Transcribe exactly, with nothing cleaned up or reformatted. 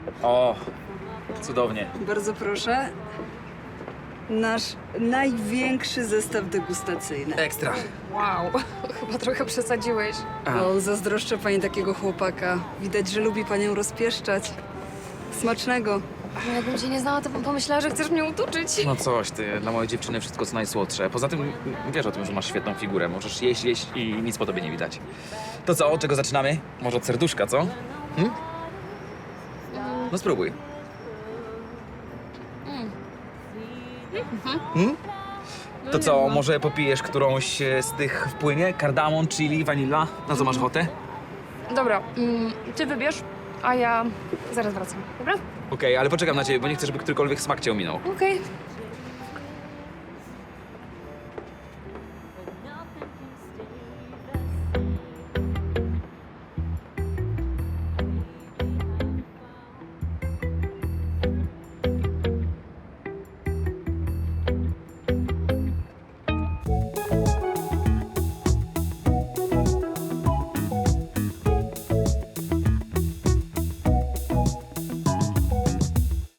O, cudownie. Bardzo proszę. Nasz największy zestaw degustacyjny. Ekstra. Wow, chyba trochę przesadziłeś. A. O, zazdroszczę pani takiego chłopaka. Widać, że lubi panią rozpieszczać. Smacznego. Jakbym cię nie znała, to bym pomyślała, że chcesz mnie utuczyć. No coś ty, dla mojej dziewczyny wszystko co najsłodsze. Poza tym wiesz o tym, że masz świetną figurę. Możesz jeść, jeść i nic po tobie nie widać. To co, od czego zaczynamy? Może od serduszka, co? Hm? No spróbuj. Hmm? To co, może popijesz którąś e, z tych w płynie? Kardamon, chili, vanilla? Na co masz ochotę? Dobra, mm, ty wybierz, a ja zaraz wracam, dobra? Okej, ale poczekam na ciebie, bo nie chcę, żeby którykolwiek smak cię ominął. Okej.